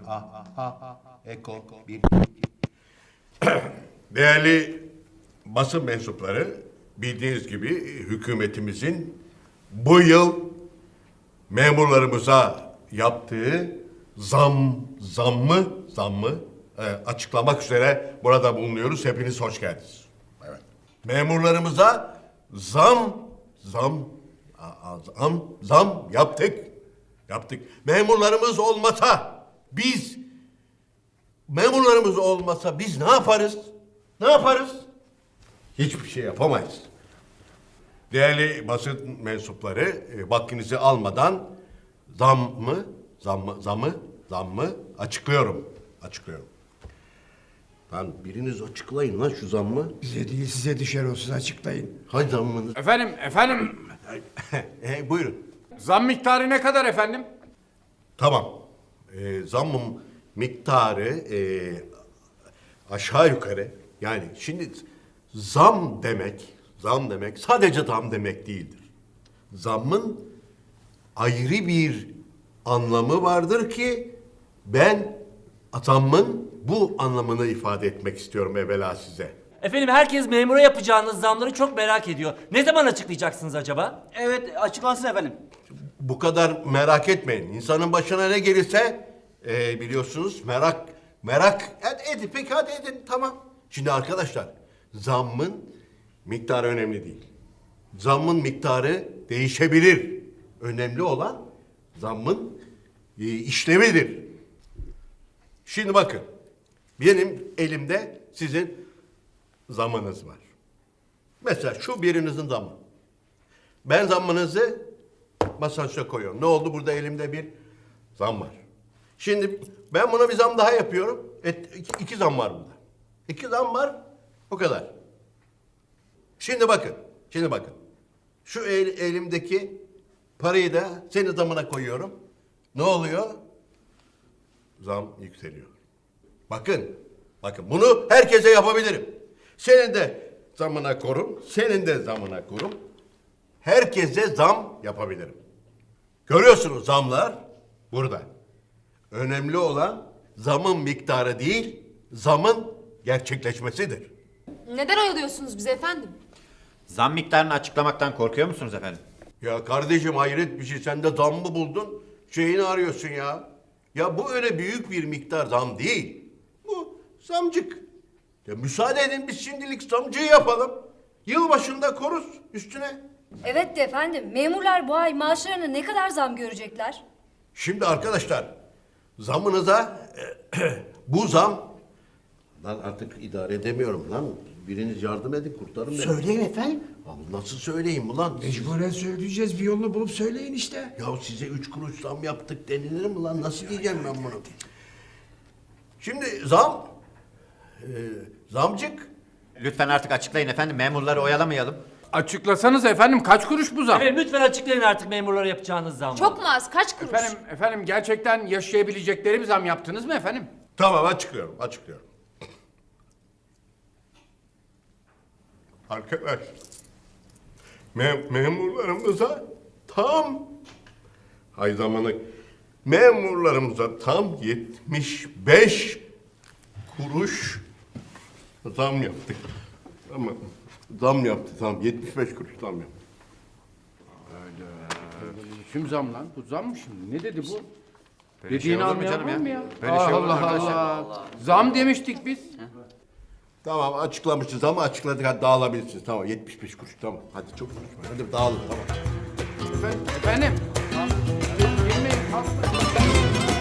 Eko. Bir. Değerli basın mensupları, bildiğiniz gibi hükümetimizin bu yıl memurlarımıza yaptığı zammı açıklamak üzere burada bulunuyoruz. Hepiniz hoş geldiniz. Evet. Memurlarımıza zam yaptık. Memurlarımız olmasa biz ne yaparız? Ne yaparız? Hiçbir şey yapamayız. Değerli basın mensupları, vaktinizi almadan zammı açıklıyorum. Lan biriniz açıklayın lan şu zammı. Bize değil size düşer olsun, açıklayın. Hay zammını. Efendim, Buyurun. zam miktarı ne kadar efendim? Tamam. Zammın miktarı aşağı yukarı, yani şimdi zam demek sadece zam demek değildir. Zammın ayrı bir anlamı vardır ki ben zammın bu anlamını ifade etmek istiyorum evvela size. Efendim herkes memura yapacağınız zamları çok merak ediyor. Ne zaman açıklayacaksınız acaba? Evet, açıklansın efendim. Bu kadar merak etmeyin. İnsanın başına ne gelirse biliyorsunuz merak edin. Peki hadi edin, tamam. Şimdi arkadaşlar, zammın miktarı önemli değil. Zammın miktarı değişebilir. Önemli olan zammın işlemidir. Şimdi bakın, benim elimde sizin zammınız var. Mesela şu birinizin zammı. Ben zammınızı masanın üstüne koyuyorum. Ne oldu? Burada elimde bir zam var. Şimdi ben buna bir zam daha yapıyorum. İki zam var burada. İki zam var. O kadar. Şimdi bakın. Şu elimdeki parayı da senin zamına koyuyorum. Ne oluyor? Zam yükseliyor. Bakın bunu herkese yapabilirim. Senin de zamına korum, senin de zamına korum. Herkese zam yapabilirim. Görüyorsunuz, zamlar burada. Önemli olan zamın miktarı değil, zamın gerçekleşmesidir. Neden oyalıyorsunuz bizi efendim? Zam miktarını açıklamaktan korkuyor musunuz efendim? Ya kardeşim, hayret bir şey, sen de zam mı buldun? Şeyini arıyorsun ya. Ya bu öyle büyük bir miktar zam değil. Bu zamcık. Ya müsaade edin, biz şimdilik zamcıyı yapalım. Yılbaşında koruz üstüne. Evet de efendim, memurlar bu ay maaşlarına ne kadar zam görecekler? Şimdi arkadaşlar, zamınıza bu zam... Lan artık idare edemiyorum lan. Biriniz yardım edin, kurtarın beni. Söyleyin efendim. Abi nasıl söyleyeyim ulan? Mecburen söyleyeceğiz, bir yolunu bulup söyleyin işte. Ya size 3 kuruş zam yaptık denilir mi lan? Nasıl diyeceğim ben bunu? Şimdi zamcık. Lütfen artık açıklayın efendim. Memurları oyalamayalım. Açıklasanız efendim, kaç kuruş bu zam? Efendim lütfen açıklayın artık memurlara yapacağınız zamı. Çok mu az? Kaç kuruş? Efendim gerçekten yaşayabilecekleri bir zam yaptınız mı efendim? Tamam, açıklıyorum. Arkadaş, memurlarımıza tam 75 kuruş zam yaptık. Ama tam 75 kuruş zam yaptık. Kim zam lan? Bu zam mı şimdi? Ne dedi bu? Böyle Dediğini şey olur mu anlayan canım var ya? mı ya? Böyle şey olur mu Allah arkadaşlar? Allah. Zam demiştik biz. Tamam, açıklamışız ama açıkladık, hadi dağılabilirsiniz. Tamam, 75 kuruş, tamam. Hadi çok konuşma, hadi dağılın, tamam. Efendim. Girmeyin, kalkmayın.